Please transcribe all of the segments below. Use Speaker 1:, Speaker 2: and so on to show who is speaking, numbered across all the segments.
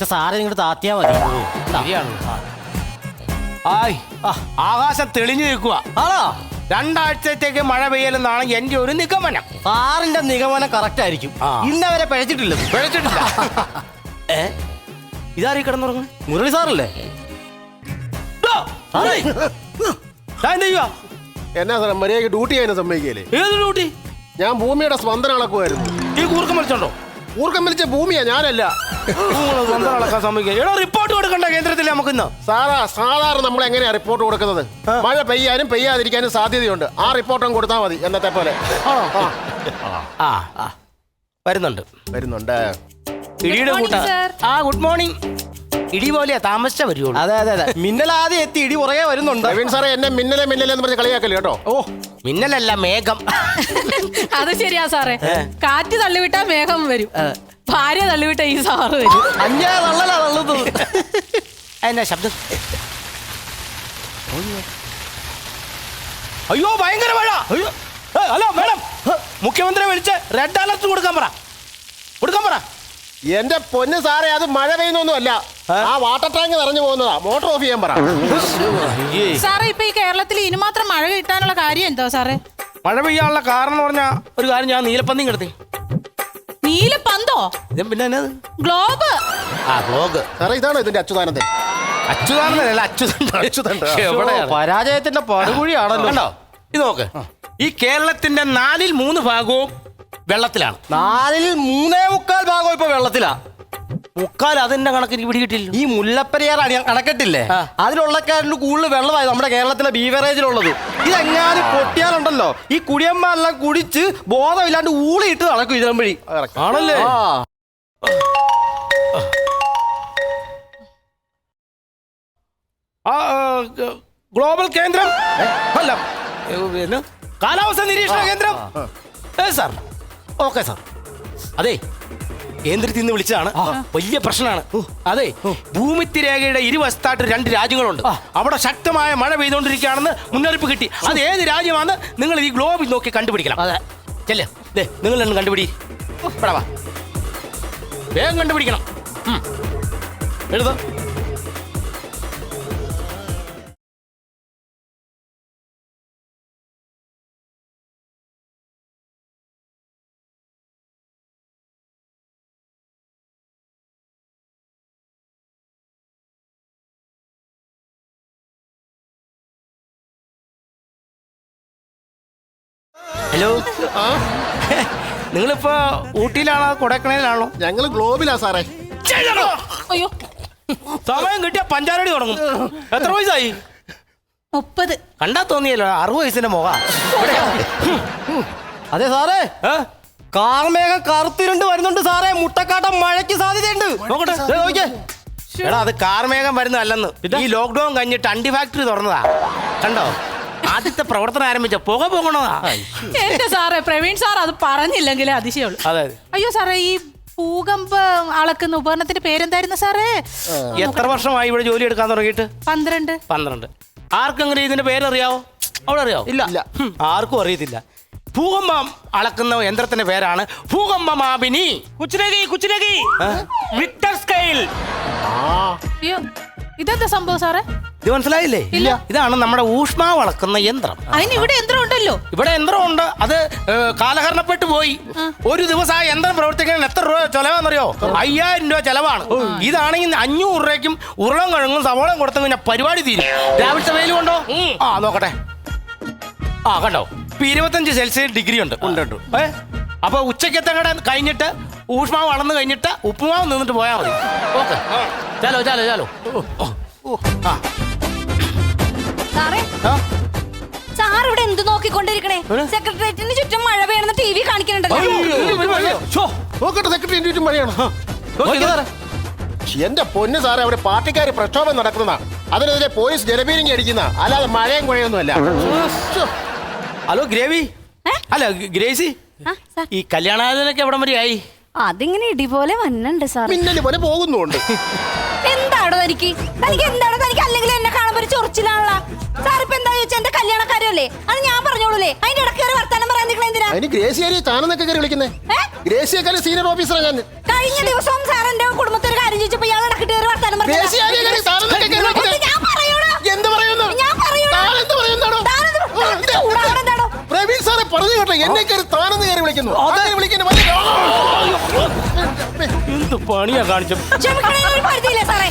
Speaker 1: ഇതൊക്കെ സാറെ നിങ്ങോട്ട് താത്തിയാ മതി.
Speaker 2: ശരിയാണ്. ആകാശം തെളിഞ്ഞു നിൽക്കുക.
Speaker 1: ആണോ?
Speaker 2: 2 ആഴ്ചത്തേക്ക് മഴ പെയ്യലെന്നാണ് എന്റെ ഒരു നിഗമനം.
Speaker 1: സാറിന്റെ നിഗമനം കറക്റ്റ് ആയിരിക്കും. ഇന്നവരെ പഴച്ചിട്ടില്ല.
Speaker 2: ഇതാരീ കിടന്നുറങ്ങും?
Speaker 1: മുരളി സാറല്ലേ?
Speaker 3: എന്നാ സാറേ മര്യാദയ്ക്ക് ഡ്യൂട്ടി ചെയ്യാൻ സമ്മതിക്കല്ലേ?
Speaker 2: ഏത് ഡ്യൂട്ടി?
Speaker 3: ഞാൻ ഭൂമിയുടെ സ്പന്ദനം അളക്കുമായിരുന്നു.
Speaker 2: ഈ കൂർക്കം വലിച്ചോണ്ടോ?
Speaker 3: ഊർക്കം വലിച്ച ഭൂമിയാ, ഞാനല്ല.
Speaker 2: റിപ്പോർട്ട് കൊടുക്കണ്ട കേന്ദ്രത്തിൽ നമുക്ക് ഇന്ന്.
Speaker 3: സാധാരണ നമ്മൾ എങ്ങനെയാ റിപ്പോർട്ട് കൊടുക്കുന്നത്? മഴ പെയ്യാനും പെയ്യാതിരിക്കാനും സാധ്യതയുണ്ട്. ആ റിപ്പോർട്ടും കൊടുത്താൽ മതി എന്നത്തെ പോലെ.
Speaker 2: വരുന്നുണ്ട്. ഇടിയുടെ കൂട്ട. Good morning. ഇടി പോലെയാ, താമസിച്ച വരുള്ളൂ.
Speaker 1: അതെ. മിന്നലാദ്യം എത്തി, ഇടി പുറകെ വരുന്നുണ്ട്.
Speaker 3: നവീൻ സാറേ എന്നെ മിന്നലെന്ന് പറഞ്ഞ് കളിയാക്കല്ലേ കേട്ടോ.
Speaker 2: മിന്നലല്ല, മേഘം.
Speaker 4: അത് ശരിയാ സാറേ. കാറ്റ് തള്ളിവിട്ടാ മേഘം വരും, ഭാര്യ തള്ളിവിട്ട ഈ സാറ് വരും.
Speaker 1: അഞ്ഞാ തള്ളലാ തള്ളുന്നത്.
Speaker 2: എന്നാ ശബ്ദം? അയ്യോ ഭയങ്കര മഴ. ഹലോ മേഡം, മുഖ്യമന്ത്രിയെ വിളിച്ച് റെഡ് അലർട്ട് കൊടുക്കാൻ പറ.
Speaker 3: എന്റെ പൊന്ന് സാറേ, അത് മഴ പെയ്യുന്നൊന്നും അല്ല. ആ വാട്ടർ ടാങ്ക് നിറഞ്ഞു പോകുന്നതാ. മോട്ടർ ഓഫ് ചെയ്യാൻ പറ.
Speaker 4: സാറേ ഇപ്പൊ ഈ കേരളത്തിൽ ഇനി മാത്രം മഴ കിട്ടാനുള്ള കാര്യം എന്തോ സാറേ?
Speaker 2: മഴ പെയ്യാനുള്ള കാരണം പറഞ്ഞ ഒരു കാര്യം, ഞാൻ നീലപ്പന്തി കിടത്തി.
Speaker 4: നീലപ്പന്തോ?
Speaker 2: പിന്നെ
Speaker 4: ഗ്ലോബ്.
Speaker 2: ഗ്ലോബ്
Speaker 3: സാറേ ഇതാണോ ഇതിന്റെ അച്യുതാനന്ദൻ?
Speaker 1: പരാജയത്തിന്റെ പടുകുഴിയാണല്ലോ.
Speaker 2: ഇത് നോക്ക്, ഈ കേരളത്തിന്റെ 4ൽ 3 ഭാഗവും വെള്ളത്തിലാണ്.
Speaker 1: 4ൽ 3.25 ഭാഗം ഇപ്പൊ വെള്ളത്തിലാ.
Speaker 2: മുക്കാൽ അതിന്റെ കണക്ക് എനിക്ക് പിടികിട്ടില്ല.
Speaker 1: ഈ മുല്ലപ്പെരിയാർ അണക്കെട്ടില്ലേ, അതിലുള്ളക്കാരിൽ കൂടുതൽ വെള്ളമായി നമ്മുടെ കേരളത്തിലെ ബീവറേജിലുള്ളത്. ഇതെങ്ങാനും പൊട്ടിയാലുണ്ടല്ലോ, ഈ കുടിയന്മാരെല്ലാം കുടിച്ച് ബോധമില്ലാണ്ട് ഊളിയിട്ട് നടക്കും ഇതിനും വഴി.
Speaker 2: ആണല്ലേ? ഗ്ലോബൽ കേന്ദ്രം അല്ല, കാലാവസ്ഥ നിരീക്ഷണ കേന്ദ്രം. Sir okay sir. അതെ, കേന്ദ്രത്തിൽ നിന്ന് വിളിച്ചതാണ്. വലിയ പ്രശ്നമാണ്. അതെ, ഭൂമിത്തിരേഖയുടെ ഇരുവശത്തായിട്ട് 2 രാജ്യങ്ങളുണ്ട്. അവിടെ ശക്തമായ മഴ പെയ്തുകൊണ്ടിരിക്കുകയാണെന്ന് മുന്നറിയിപ്പ് കിട്ടി. അത് ഏത് രാജ്യമാണെന്ന് നിങ്ങൾ ഈ ഗ്ലോബിൽ നോക്കി കണ്ടുപിടിക്കണം. ചെല്ലേ, നിങ്ങൾ തന്നെ കണ്ടുപിടി. വേഗം കണ്ടുപിടിക്കണം. എഴുത. ഹലോ, നിങ്ങളിപ്പോ ഊട്ടിയിലാണോ കൊടൈക്കനാലിലാണോ?
Speaker 3: ഞങ്ങള് ഗ്ലോബിലാ സാറേ.
Speaker 4: അയ്യോ,
Speaker 2: സമയം കിട്ടിയ പഞ്ചാരടി തുടങ്ങും. എത്ര വയസ്സായി?
Speaker 4: 30.
Speaker 2: കണ്ടാ തോന്നിയല്ലോ 60 വയസ്സിന്റെ മുഖ.
Speaker 1: അതെ സാറേ, കാർമേഘം കറുത്തിരുണ്ട് വരുന്നുണ്ട് സാറേ. മുട്ടക്കാട്ടം മഴയ്ക്ക് സാധ്യതയുണ്ട്.
Speaker 2: നോക്കട്ടെ. എടാ, അത് കാർമേഘം വരുന്നതല്ലെന്ന്. ഈ ലോക്ക്ഡൌൺ കഴിഞ്ഞിട്ട് അണ്ടി ഫാക്ടറി തുറന്നതാ. കണ്ടോ, ആദ്യത്തെ പ്രവർത്തനം ആരംഭിച്ച പുക പോകണതാ.
Speaker 4: എന്റെ സാറേ, പ്രവീൺ സാർ അത് പറഞ്ഞില്ലെങ്കിലേ അതിശയുള്ളൂ.
Speaker 2: അതെ.
Speaker 4: അയ്യോ സാറേ, ഈ ഭൂകമ്പം അളക്കുന്ന ഉപകരണത്തിന്റെ പേരെന്തായിരുന്നു സാറേ?
Speaker 2: എത്ര വർഷമായി ഇവിടെ ജോലി എടുക്കാൻ തുടങ്ങിയിട്ട്?
Speaker 4: 12.
Speaker 2: ആർക്കെങ്കിലും ഇതിന്റെ പേരറിയാവോ? അവിടെ അറിയാവോ?
Speaker 3: ഇല്ല.
Speaker 2: ആർക്കും അറിയത്തില്ല. ഭൂകമ്പം അളക്കുന്ന യന്ത്രത്തിന്റെ പേരാണ് ഭൂകമ്പമാപിനി. കുച്ചിലകി റിക്ടർ സ്കെയിൽ.
Speaker 4: അയ്യോ, ഇതെന്താ സംഭവം സാറേ?
Speaker 2: ഇത് മനസ്സിലായില്ലേ?
Speaker 4: ഇല്ല.
Speaker 2: ഇതാണ് നമ്മുടെ ഊഷ്മാവ് അളക്കുന്ന യന്ത്രം.
Speaker 4: അതിന് ഇവിടെ യന്ത്രം ഉണ്ടല്ലോ.
Speaker 2: ഇവിടെ യന്ത്രമുണ്ട്, അത് കാലഹരണപ്പെട്ടു പോയി. ഒരു ദിവസം ആ യന്ത്രം പ്രവർത്തിക്കാൻ എത്ര രൂപ ചെലവാണെന്നറിയോ? 5000 രൂപ ചെലവാണ്. ഇതാണെങ്കിൽ 500 രൂപയ്ക്കും ഉരുളം കഴുകും സവോളം കൊടുത്തു കഴിഞ്ഞാൽ പരിപാടി തീരും. രാവിലത്തെ വെയിൽ കൊണ്ടോ? നോക്കട്ടെ. കണ്ടോ, 25 സെൽഷ്യസ് ഡിഗ്രി ഉണ്ട്. അപ്പൊ ഉച്ചക്കത്തെ കട കഴിഞ്ഞിട്ട് ഊഷ്മാവ് അളന്ന് കഴിഞ്ഞിട്ട് ഉപ്പുമാവ് നിന്നിട്ട് പോയാൽ മതി. ഓക്കെ, ചാലോ.
Speaker 5: സാർ ഇവിടെ എന്ത് നോക്കിക്കൊണ്ടിരിക്കണേ? സെക്രട്ടേറിയറ്റിന് ചുറ്റും മഴ പെയ്യണമെന്ന് TV കാണിക്കുന്നുണ്ടല്ലോ.
Speaker 3: നോക്കട്ടെ, സെക്രട്ടറി ചുറ്റും മഴയാണ്. എന്റെ പൊന്ന് സാറേ, അവിടെ പാർട്ടിക്കാർ പ്രക്ഷോഭം നടക്കുന്നതാ. അതിനെതിരെ പോലീസ് ജലപീരങ്കി അടിക്കുന്ന, അല്ലാതെ മഴയും കുഴയൊന്നും അല്ല.
Speaker 2: ഹലോ ഗ്രേവി, അല്ല ഗ്രേസി, ഈ കല്യാണാലോചനയൊക്കെ എവിടം വരെ ആയി?
Speaker 5: അതിങ്ങനെ ഇടിപോലെ വന്നുണ്ട് സാർ.
Speaker 3: മിന്നല് പോലെ പോകുന്നുണ്ട്.
Speaker 5: എന്താണോ തനിക്ക് അല്ലെങ്കിൽ എന്നെ കാണുമ്പോ ഒരു ചൊറിച്ചിലാണല്ലോ സാർ. ഇപ്പൊ എന്താ ചോദിച്ചാൽ എന്റെ കല്യാണക്കാരല്ലേ, അത് ഞാൻ പറഞ്ഞോളൂലേ. അതിന്റെ ഇടയ്ക്ക് ഒരു വർത്താനം പറയാൻ നിൽക്കണ എന്തിനാ?
Speaker 3: അതിന് ഗ്രേസിയാരി താനെന്നൊക്കെ കയറി വിളിക്കുന്നേ? ഗ്രേസിയെക്കാളും സീനിയർ ഓഫീസറാണ് ഞാൻ.
Speaker 5: കഴിഞ്ഞ ദിവസവും സാർ എന്റെ കുടുംബത്തിൽ കാര്യം ചോദിച്ചപ്പോ ഇയാൾ ഇടക്കിട്ട് കയറി വർത്താനം പറഞ്ഞതാ.
Speaker 3: ദേശീയാധികാരി താനെന്തൊക്കെ കയറി വെക്കുന്നത്?
Speaker 5: ഞാൻ പറയൂടാ.
Speaker 3: എന്ത് പറയുന്നു?
Speaker 5: ഞാൻ പറയൂടാ.
Speaker 3: താനെന്ത് പറയുന്നാണോ?
Speaker 5: താനെന്ത് ചൂടാവണെന്താണോ?
Speaker 3: പ്രവീൺ സാറെ പറഞ്ഞു കേട്ടോ, എന്നെ കയറി താനെന്ന് കയറി വിളിക്കുന്നു. അങ്ങനെ വിളിക്കുന്നു വലിയ
Speaker 2: എന്ത് പണിയാ കാണിച്ചത്?
Speaker 5: ക്ഷമിക്കണേ, ഒരു പരിധിയില്ലേ സാറേ?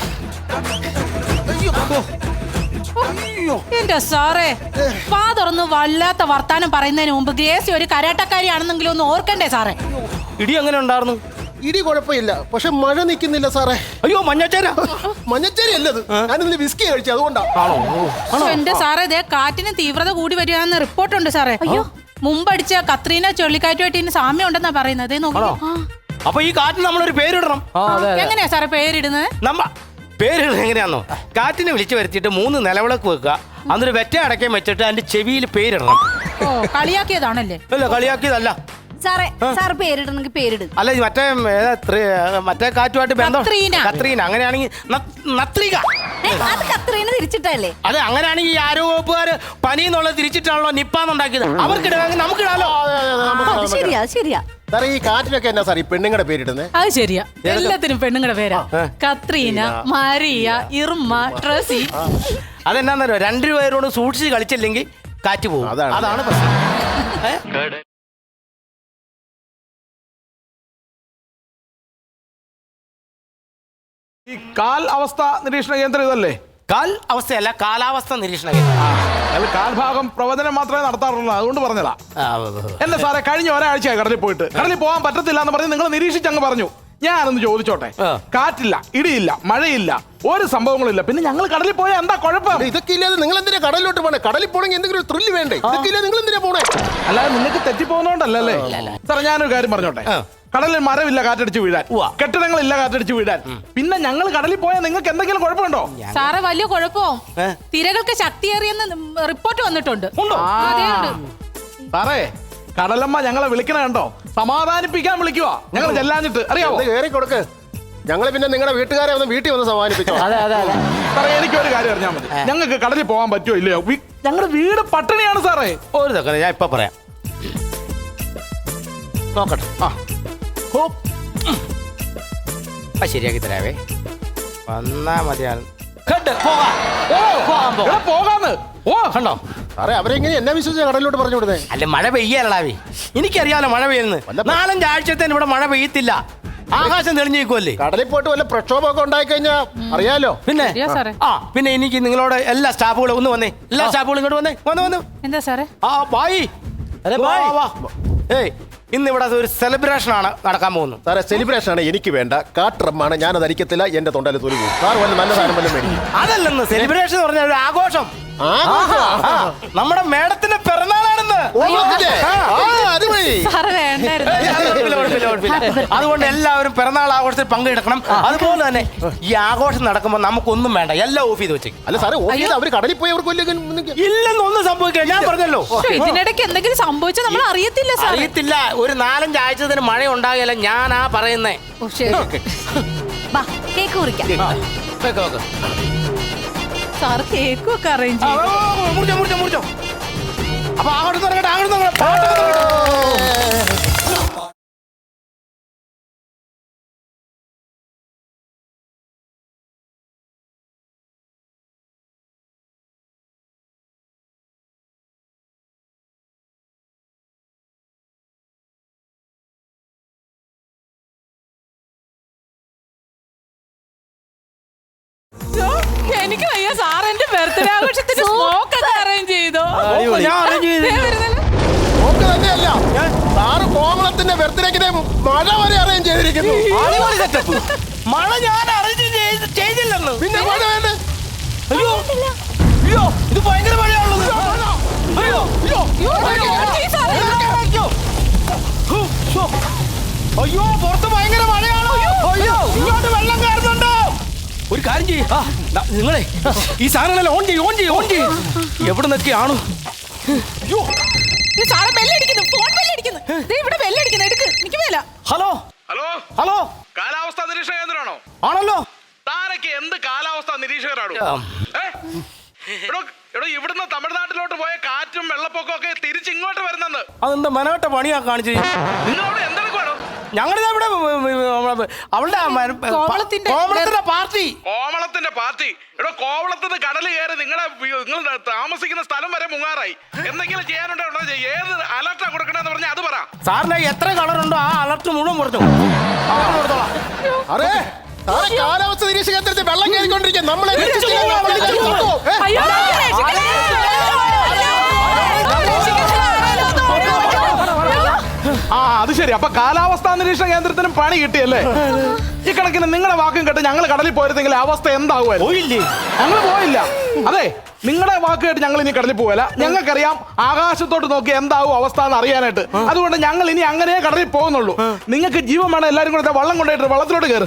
Speaker 4: എന്റെ സാറേ, വാ തുറന്ന് വല്ലാത്ത വർത്താനം പറയുന്നതിന് മുമ്പ് ഗ്രേസി ഒരു കരാട്ടക്കാരിയാണെന്നെങ്കിലും ഒന്ന് ഓർക്കണ്ടേ സാറേ?
Speaker 2: ഇടി എങ്ങനെ ഉണ്ടായിരുന്നു?
Speaker 3: ഇടി കുഴപ്പമില്ല, പക്ഷെ മഴ നിൽക്കുന്നില്ല സാറേ.
Speaker 2: അയ്യോ മഞ്ഞച്ചേര.
Speaker 3: മഞ്ഞച്ചേരി അല്ലത്, ഞാനിന്ന് വിസ്കി കഴിച്ചു അതുകൊണ്ടാ.
Speaker 4: പക്ഷെ എന്റെ സാറേ, ദേ കാറ്റിന് തീവ്രത കൂടി വരികയാണെന്ന് റിപ്പോർട്ടുണ്ട് സാറേ. അയ്യോ, മുമ്പടിച്ച കത്രീന ചുഴലിക്കാറ്റുമായിട്ട് ഇനി സാമ്യം ഉണ്ടെന്നാ പറയുന്നത്. ദേ നോക്കിക്കോ.
Speaker 2: അപ്പൊ ഈ കാറ്റിന് നമ്മളൊരു പേരിടണം.
Speaker 4: എങ്ങനെയാ സാറേ പേരിടുന്നത്?
Speaker 2: പേരിടുന്നത് എങ്ങനെയാന്നോ? കാറ്റിനെ വിളിച്ചു വരുത്തിയിട്ട് 3 നിലവിളക്ക് വെക്കുക, അന്നൊരു വെറ്റ അടക്കം വെച്ചിട്ട് അതിന്റെ ചെവിയിൽ പേരിടണം.
Speaker 4: ഓ, കളിയാക്കിയതാണല്ലേ?
Speaker 2: അല്ല, കളിയാക്കിയതല്ല.
Speaker 5: സാറേ, സാറ് പേരിടണമെങ്കിൽ പേരിടും.
Speaker 2: അല്ല, മറ്റേ കാറ്റുമായിട്ട് ബന്ധം.
Speaker 4: കത്രീന.
Speaker 2: കത്രീന. അങ്ങനെയാണെങ്കിൽ നത്രിക.
Speaker 5: അത് കത്രീന തിരിച്ചിട്ടല്ലേ?
Speaker 2: അതെ, അങ്ങനെയാണെങ്കിൽ ഈ ആരോഗ്യവകുപ്പുകാര് പനി എന്നുള്ളത് തിരിച്ചിട്ടാണല്ലോ നിപ്പാന്നുണ്ടാക്കിയത്. അവർക്കിടാമെങ്കിൽ നമുക്കിടാലോ.
Speaker 5: അത് ശരിയാ, അത് ശരിയാ.
Speaker 3: സാറേ, ഈ കാറ്റിനൊക്കെ എന്നാ സാർ ഈ പെണ്ണുങ്ങളുടെ പേരിടുന്നത്?
Speaker 4: അത് ശരിയാ, എല്ലാത്തിനും പെണ്ണുങ്ങളുടെ പേരാ. Katrina, Maria, Irma, Tracy.
Speaker 2: അതെന്നാന്നറിയോ? 2 പേരോട് സൂക്ഷിച്ച് കളിച്ചില്ലെങ്കിൽ കാറ്റ് പോകും. അതാണ് പ്രശ്നം.
Speaker 6: ഈ കാൽ അവസ്ഥ നിരീക്ഷണ കേന്ദ്രം ഇതല്ലേ?
Speaker 2: കാൽ അവസ്ഥയല്ല, കാലാവസ്ഥ നിരീക്ഷണ കേന്ദ്രം.
Speaker 6: അത് കാൽഭാഗം പ്രവചനം മാത്രമേ നടത്താറുള്ളൂ, അതുകൊണ്ട് പറഞ്ഞതാ. എന്റെ സാറേ, കഴിഞ്ഞ ഒരാഴ്ചയായി കടലിൽ പോയിട്ട് കടലിൽ പോകാൻ പറ്റത്തില്ല എന്ന് പറഞ്ഞ് നിങ്ങൾ നിരീക്ഷിച്ചങ്ങ് പറഞ്ഞു. ഞാനൊന്ന് ചോദിച്ചോട്ടെ, കാറ്റില്ല, ഇടിയില്ല, മഴയില്ല, ഒരു സംഭവങ്ങളില്ല, പിന്നെ ഞങ്ങൾ കടലിൽ പോയാൽ എന്താ കുഴപ്പം?
Speaker 3: ഇതൊക്കെ ഇല്ലാതെ നിങ്ങൾ എന്തിനാ കടലിലോട്ട് പോണേ? കടലിൽ പോണെങ്കിൽ എന്തെങ്കിലും ഒരു ത്രില്ല് വേണ്ടേ? ഇതൊക്കെ ഇല്ലാതെ നിങ്ങൾ എന്തിനാ പോണേ?
Speaker 6: അല്ലാതെ നിങ്ങൾക്ക് തെറ്റിപ്പോകുന്നോണ്ടല്ലേ സാറേ. ഞാനൊരു കാര്യം പറഞ്ഞോട്ടെ, കടലിൽ മരമില്ല കാറ്റടിച്ച് വീഴാൻ, കെട്ടിടങ്ങളില്ല കാറ്റടിച്ച് വീഴാൻ, പിന്നെ ഞങ്ങൾ കടലിൽ പോയാൽ നിങ്ങൾക്ക് എന്തെങ്കിലും കുഴപ്പമുണ്ടോ?
Speaker 4: സാറേ, വലിയ കുഴപ്പവും. തിരകൾക്ക് ശക്തിയേറിയെന്ന് റിപ്പോർട്ട് വന്നിട്ടുണ്ട്. അതെ, ഉണ്ട്.
Speaker 6: സാറേ, കടലമ്മ ഞങ്ങളെ വിളിക്കണ കണ്ടോ? സമാധാനിപ്പിക്കാൻ വിളിക്കുവാ ഞങ്ങൾ ചെല്ലാഞ്ഞിട്ട്, അറിയാവോ?
Speaker 3: കയറി കൊടുക്ക്, ഞങ്ങൾ പിന്നെ നിങ്ങളുടെ വീട്ടുകാരെ ഒന്ന് വീട്ടിൽ വന്ന് സമാധാനിപ്പിച്ചോ.
Speaker 6: സാറേ, എനിക്കൊരു കാര്യം അറിഞ്ഞാൽ മതി, ഞങ്ങൾക്ക് കടലിൽ പോകാൻ പറ്റുമോ ഇല്ലയോ? ഞങ്ങളുടെ വീട് പട്ടിണിയാണ് സാറേ.
Speaker 2: ഒരു സെക്കൻഡ്, ഞാൻ ഇപ്പൊ പറയാം. നോക്കട്ടെ. ശരിയാക്കി തരാവേ. വന്നാ മതിയാണ്.
Speaker 6: പോകാന്ന്. ഓ,
Speaker 2: കണ്ടോ
Speaker 3: സാറേ, അവരെങ്ങനെ എന്നെ വിശ്വസിച്ച കടലിലോട്ട് പറഞ്ഞു വിടുന്നേ?
Speaker 2: അല്ല, മഴ പെയ്യാലടാവേ. എനിക്കറിയാലോ മഴ പെയ്യുന്നത്. 4-5 ആഴ്ചത്തേന് ഇവിടെ മഴ പെയ്യത്തില്ല. ആകാശം തെളിഞ്ഞു നിൽക്കുമല്ലേ.
Speaker 3: കടലിൽ പോയിട്ട് വല്ല പ്രക്ഷോഭമൊക്കെ ഉണ്ടായി കഴിഞ്ഞാൽ അറിയാലോ.
Speaker 2: പിന്നെ
Speaker 4: സാറേ,
Speaker 2: പിന്നെ എനിക്ക് നിങ്ങളോട് എല്ലാ സ്റ്റാഫുകളും ഒന്ന് വന്നേ. എല്ലാ സ്റ്റാഫുകളും ഇങ്ങോട്ട് വന്നേ. വന്നു.
Speaker 4: എന്താ സാറേ?
Speaker 2: ബായി. ഏയ്, ഇന്നിവിടെ ഒരു സെലിബ്രേഷൻ ആണ് നടക്കാൻ പോകുന്നത്.
Speaker 3: സാറേ, സെലിബ്രേഷൻ ആണ് എനിക്ക് വേണ്ട. കാട്ടറമ്മാണ്, ഞാനത് അരിക്കത്തില്ല. എന്റെ തൊണ്ടയിൽ തൊലി പോകും. സാർ വല്ല നല്ല സാധനം വല്ലതും വേണ്ടി.
Speaker 2: അതല്ലെന്ന്, സെലിബ്രേഷൻ എന്ന് പറഞ്ഞാൽ ഒരു ആഘോഷം. നമ്മുടെ മേഡത്തിന്റെ പിറന്നാളാണെന്ന്.
Speaker 4: സാറ് വേണ്ടായിരുന്നു.
Speaker 2: അതുകൊണ്ട് എല്ലാവരും പിറന്നാൾ ആഘോഷത്തിൽ പങ്കെടുക്കണം. അതുപോലെ തന്നെ ഈ ആഘോഷം നടക്കുമ്പോൾ നമുക്കൊന്നും വേണ്ട, എല്ലാം ഓഫ് ചെയ്ത് വെച്ചേക്കും.
Speaker 3: അല്ല സാറേ, അവർ കടലിൽ പോയി അവർക്ക്
Speaker 2: ഇല്ലെന്നൊന്നും സംഭവിക്കില്ല. ഞാൻ പറഞ്ഞല്ലോ,
Speaker 4: ഇതിനിടയ്ക്ക് എന്തെങ്കിലും സംഭവിച്ചാൽ നമ്മൾ അറിയത്തില്ല സാർ.
Speaker 2: അറിയത്തില്ല. ഒരു 4-5 ആഴ്ചത്തിന് മഴ ഉണ്ടാകില്ല. ഞാനാ പറയുന്നേ.
Speaker 5: കേക്ക് കുറിക്കാം.
Speaker 4: സാർ കേക്കും ഒക്കെ അറേഞ്ച്
Speaker 2: മുറിച്ചോ. അപ്പൊ അങ്ങോട്ട് തുടങ്ങട്ടെ.
Speaker 4: എനിക്ക് വയ്യ സാർ, എന്റെ ബർത്ത്ഡേ ആഘോഷത്തിന് സ്മോക്ക് ഒക്കെ അറേഞ്ച് ചെയ്തോ?
Speaker 2: ഞാൻ അറേഞ്ച് ചെയ്തു.
Speaker 3: തന്നെയല്ല, സാറ് കോമളത്തിന്റെ ബർത്ത്ഡേക്ക് മഴ വരെ അറേഞ്ച് ചെയ്തിരിക്കുന്നു.
Speaker 2: മഴ ഞാൻ അറേഞ്ച് ചെയ്തില്ലെന്ന്.
Speaker 3: പിന്നെ മഴ വേണ്ടേ?
Speaker 2: അയ്യോ, ഇത് ഭയങ്കര മഴയാണുള്ളത്. അയ്യോ, പുറത്ത് ഭയങ്കര മഴയാണോ? അയ്യോ, ഇങ്ങോട്ട് വെള്ളം കയറുന്നുണ്ടോ? ഒരു കാര്യം ചെയ്യ്, നിങ്ങളെ ഈ സാധനങ്ങളെല്ലാം ഓൺ ചെയ്യ്. എവിടെ നിന്നൊക്കെയാണോ?
Speaker 4: സാറെ ബെല്ലടിക്കുന്നു, ഫോൺ ബെല്ലടിക്കുന്നു. ഇവിടെ ബെല്ലടിക്കുന്നു, എടുക്ക്. എനിക്ക് മേല.
Speaker 2: ഹലോ,
Speaker 6: കാലാവസ്ഥാ നിരീക്ഷണ കേന്ദ്രമാണോ?
Speaker 2: ആണല്ലോ.
Speaker 6: താരക്ക് എന്ത് കാലാവസ്ഥാ നിരീക്ഷകരാണോ? ഇവിടുന്ന് തമിഴ്നാട്ടിലോട്ട് പോയ കാറ്റും വെള്ളപ്പൊക്കവും ഒക്കെ തിരിച്ചിങ്ങോട്ട് വരുന്നെന്ന്.
Speaker 2: അതെന്താ മനോട്ട പണിയാ കാണിച്ചു?
Speaker 6: നിങ്ങളോട് എന്തെടുക്കുവാണോ?
Speaker 2: ഞങ്ങളിതാ ഇവിടെ അവളുടെ
Speaker 4: കോവളത്തിന്റെ-
Speaker 2: കോവളത്തിന്റെ പാർട്ടി.
Speaker 6: കോവളത്തിന്റെ പാർട്ടി ഇവിടെ കോവളത്തിന് കടൽ കയറി നിങ്ങൾ താമസിക്കുന്ന സ്ഥലം വരെ മുങ്ങാറായി. എന്തെങ്കിലും ചെയ്യാനുണ്ടോ ഏത് അലർട്ടാ കൊടുക്കണെന്ന് പറഞ്ഞാൽ അത് പറ.
Speaker 2: സാറിന് എത്ര കളറുണ്ടോ ആ അലർട്ട് മുഴുവൻ പറഞ്ഞു.
Speaker 3: അറേ സാറേ, കാലാവസ്ഥ നിരീക്ഷണ കേന്ദ്രത്തിൽ വെള്ളം കയറിക്കൊണ്ടിരിക്കുക. നമ്മളെ രക്ഷിച്ചില്ലെങ്കിൽ നമ്മൾ ചത്തുപോകും.
Speaker 4: അയ്യോ, രക്ഷിക്കണേ.
Speaker 6: ആ അത് ശരി. അപ്പൊ കാലാവസ്ഥാ നിരീക്ഷണ കേന്ദ്രത്തിനും പണി കിട്ടിയല്ലേ? ഈ കണക്കിന് നിങ്ങളുടെ വാക്കും കേട്ട് ഞങ്ങൾ കടലിൽ പോയിരുന്നെങ്കിൽ അവസ്ഥ എന്താകുമായിരുന്നു?
Speaker 2: പോയില്ലേ?
Speaker 6: ഞങ്ങൾ പോയില്ല. അതെ, നിങ്ങളുടെ വാക്ക് കേട്ട് ഞങ്ങൾ ഇനി കടലിൽ പോകല. ഞങ്ങൾക്കറിയാം ആകാശത്തോട്ട് നോക്കി എന്താവും അവസ്ഥ എന്ന് അറിയാനായിട്ട്. അതുകൊണ്ട് ഞങ്ങൾ ഇനി അങ്ങനെ കടലിൽ പോകുന്നുള്ളൂ. നിങ്ങൾക്ക് ജീവൻ വേണം, എല്ലാവരും കൂടെ വള്ളം കൊണ്ടുപോയിട്ട് വള്ളത്തിലോട്ട് കയറും.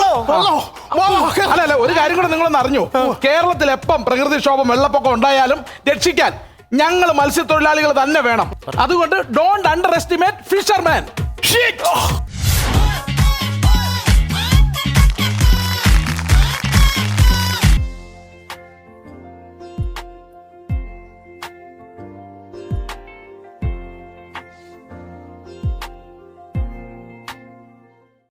Speaker 6: അല്ല ഒരു കാര്യം കൂടെ നിങ്ങളൊന്ന് അറിഞ്ഞു. കേരളത്തിൽ എപ്പം പ്രകൃതിക്ഷോഭം വെള്ളപ്പൊക്കം ഉണ്ടായാലും രക്ഷിക്കാൻ ഞങ്ങൾ മത്സ്യത്തൊഴിലാളികൾ തന്നെ വേണം. അതുകൊണ്ട് ഡോണ്ട് അണ്ടർ എസ്റ്റിമേറ്റ് ഫിഷർമാൻ.